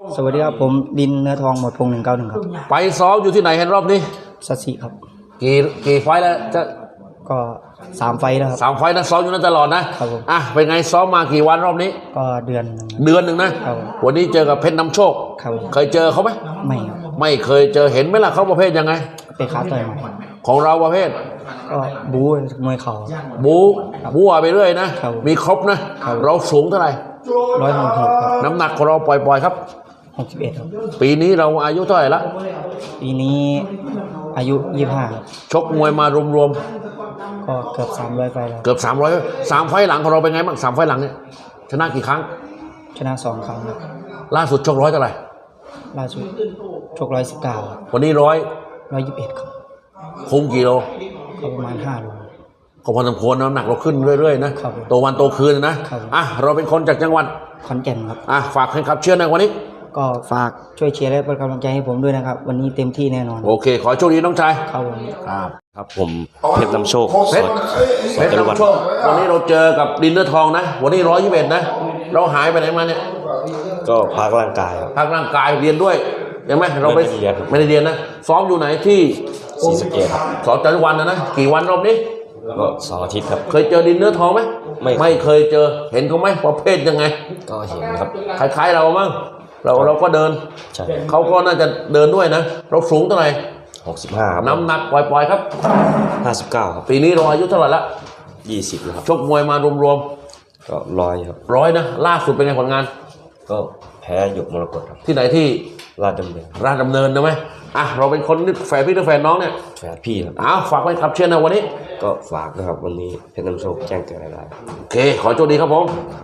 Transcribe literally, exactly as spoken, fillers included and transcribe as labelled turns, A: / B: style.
A: สวัสดีครับผมดินเนื้อทองหมดพงหนึ่งเก้าหนึ่งครับ
B: ไปซ้อมอยู่ที่ไหนเห็นรอบนี้
A: สัตสีครับ
B: กี่กี่ไฟแล้วจะ
A: ก็สามไฟแล้วครับ
B: สามไฟนะซ้อมอยู่นั่นตลอดนะครับผมอ่ะเป็นไงซ้อมมากี่วันรอบนี้
A: ก็เดือน
B: เดือนหนึ่งนะครับวันนี้เจอกับเพชรน้ำโชค
A: ครับ
B: เคยเจอเขาไหม
A: ไม่ครับ
B: ไม่เคยเจอเห็นไหมล่ะเขาประเภทยังไง
A: เป็นขาต่อยมา
B: ของเราประเภท
A: ก็บู๊มวยเข่า
B: บู๊บู๊ไปเรื่อยนะมีครบนะเราสูงเท่าไหร่
A: ร้อยหกสิบ
B: น้ำหนักของเราปล่อยๆครับ
A: หกสิบเอ็ดครับ
B: ปีนี้เราอายุเท่าไหร่ละ
A: ปีนี้อายุยี่สิบห้า
B: ชกมวยมารวม
A: ๆก็เกือบสามร้อยไฟแล้ว
B: เกือบสามร้อยสามไฟหลังของเราเป็นไงบ้างสามไฟหลังเนี่ยชนะกี่ครั้ง
A: ชนะสองครั้ง
B: ล่าสุดชกร้อยเท่าไหร่
A: ล่าสุดชกร้อยสิบเก้า
B: วันนี้ร้อย
A: ร้อยยี่สิบเอ็ดครับ
B: คุมกี่โล
A: ก็ประมาณห้าโล
B: ก็พอสมควรน้ำหนักเราขึ้นเรื่อยๆนะโตวันโตคืนนะอ่ะเราเป็นคนจากจังหวัด
A: ขอนแก่นครับ
B: อ่ะฝากให้ครับเชื่อในวันนี้
A: ก็ฝากช่วยเชียร์และเป็นกำลังใจให้ผมด้วยนะครับวันนี้เต็มที่แน่นอน
B: โอเคขอโชคดีน้องชาย
A: ครับผม
B: ครับ
C: ครับผมเพชรน้ำโชค
B: เพชรเพชรน้ำโชควันนี้เราเจอกับดินเนื้อทองนะวันนี้ร้อยยี่สิบเอ็ดนะเราหายไปไหนมาเนี่ย
C: ก็พักร่างกาย
B: พักร่างกายเรียนด้วยยังไหมเราไปไม่ได้เรียนนะซ้อมอยู่ไหนที่
C: ศรีสะเกษครับ
B: สอนจันทร์วันนะนะกี่วันรอบนี้
C: ก็สองอาทิตย์ครับ
B: เคยเจอดินเนื้อทองไหม
C: ไม่
B: ไม่เคยเจอเห็นเขาไหมประเภทยังไง
C: ก็เห็นครับ
B: คล้ายๆเรามั้งเราเราก็เดิน
C: ใช่
B: เขาก็น่าจะเดินด้วยนะเราสูงเท่าไหร่
C: หกสิบห้าครับ
B: น้ำหนักปล่อยๆครับ
C: ห้าสิบเก้าครับ
B: ปีนี้เราอายุเท่าไหร่ละ
C: ยี่สิบครับ
B: ชกมวยมารวม
C: ๆก็ร้อยครับ
B: ร้อยนะล่าสุดเป็นไงผลงาน
C: ก็แพ้หยกมรกตครับ
B: ที่ไหนที่
C: ราชดำเนิน
B: ราชดำเนินนะไหมอ่ะเราเป็นคนนึกแฝดพี่นึกแฝดน้องเนี่ย
C: แฝดพี่ครับ
B: อ้าวฝากไว้ครับเชียร์นะวันนี้
C: ก็ฝากนะครับวันนี้เพชรน้ำโชคแจ้งเกิดอะไร
B: โอเคขอโชคดีครับผม